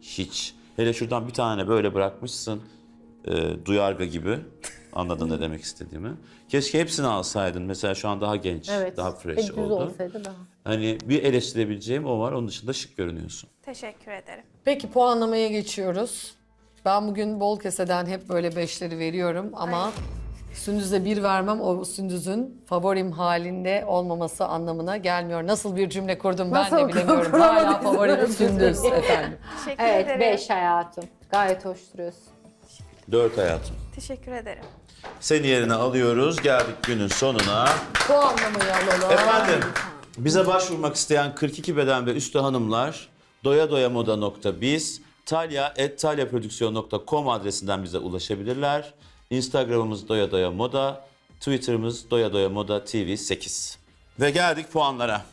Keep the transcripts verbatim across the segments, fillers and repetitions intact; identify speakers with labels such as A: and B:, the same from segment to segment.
A: Hiç. Hele şuradan bir tane böyle bırakmışsın. E, duyarga gibi. Anladın ne demek istediğimi. Keşke hepsini alsaydın. Mesela şu an daha genç,
B: Evet.
A: daha fresh
B: Düz
A: oldu.
B: olsaydı daha.
A: Hani bir eleştirebileceğim o var. Onun dışında şık görünüyorsun.
C: Teşekkür ederim.
D: Peki puanlamaya geçiyoruz. Ben bugün bol keseden hep böyle beşleri veriyorum ama Sündüz'e bir vermem o Sündüz'ün favorim halinde olmaması anlamına gelmiyor. Nasıl bir cümle kurdum ben
B: Nasıl
D: de bilemiyorum.
B: kuramadım
D: Hala favorim Sündüz efendim.
C: Teşekkür
B: Evet,
C: ederim.
B: beş hayatım. Gayet hoş duruyorsun.
A: Dört hayatım.
C: Teşekkür ederim.
A: Seni yerine alıyoruz. Geldik günün sonuna.
D: Puanlamayı alalım.
A: Efendim, bize başvurmak isteyen kırk iki beden ve üstü hanımlar doyadoyamoda nokta biz, talya at talyaprodüksiyon nokta com adresinden bize ulaşabilirler. Instagram'ımız doyadoyamoda, Twitter'ımız doyadoyamoda T V sekiz. Ve geldik puanlara.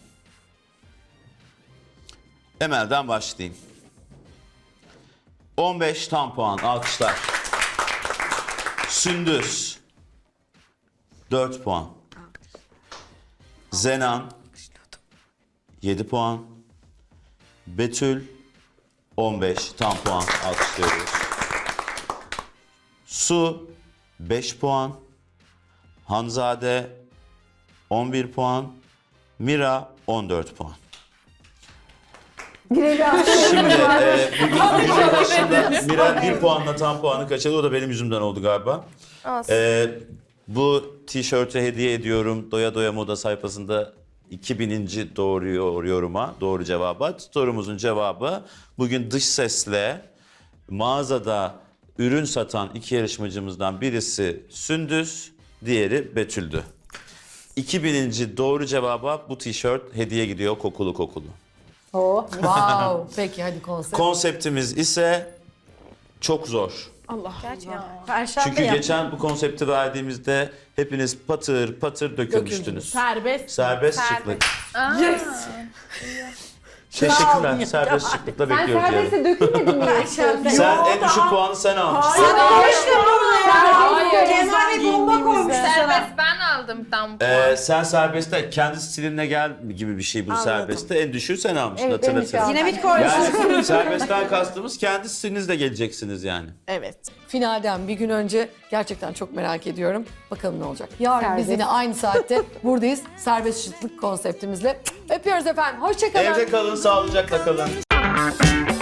A: Emel'den başlayayım. on beş tam puan, alkışlar. Sündüz, dört puan. Zenan, yedi puan. Betül, on beş tam puan, alkışlıyoruz. Su, beş puan. Hanzade, on bir puan. Mira, on dört puan. Şimdi e, bugün günün başında Mira bir puanla tam puanı kaçırdı. O da benim yüzümden oldu galiba.
C: Olsun.
A: E, bu tişörtü hediye ediyorum. Doya Doya Moda sayfasında iki bininci doğru yoruma, doğru cevaba. Sorumuzun cevabı bugün dış sesle mağazada ürün satan iki yarışmacımızdan birisi Sündüz, diğeri Betül'dü. iki bininci doğru cevaba bu tişört hediye gidiyor kokulu kokulu.
B: Oh.
D: Wow. Peki hadi konsept.
A: Konseptimiz ise çok zor.
C: Gerçekten.
E: Perşembe
A: Çünkü
E: yap.
A: geçen bu konsepti verdiğimizde hepiniz patır patır dökülmüştünüz.
E: Serbest.
A: Serbest
C: Serbest.
A: şıklık.
E: Yes.
A: Teşekkürler. Serbest şıklıkla
B: Sen
A: bekliyoruz diyelim.
B: serbeste dökülmedin mi?
E: Perşembe.
A: Sen en düşük puanı sen almışsın.
E: Kemal bomba koymuşlar sana.
F: Serbest ben aldım tam puan.
A: Ee, sen serbestte kendi stilinle gel gibi bir şey bu serbestte. En düşüğü sen almışsın,
B: Evet, en
A: hatırlatırım.
B: düşüğü
E: Dinamit koymuşsun.
A: Yani serbestten kastımız kendi stilinizle geleceksiniz yani.
E: Evet.
D: Finalden bir gün önce gerçekten çok merak ediyorum. Bakalım ne olacak. Yarın biz
B: Serbest.
D: yine aynı saatte buradayız. Serbest şıklık konseptimizle. Öpüyoruz efendim. Hoşçakalın.
A: Evde kalın, sağlıcakla kalın.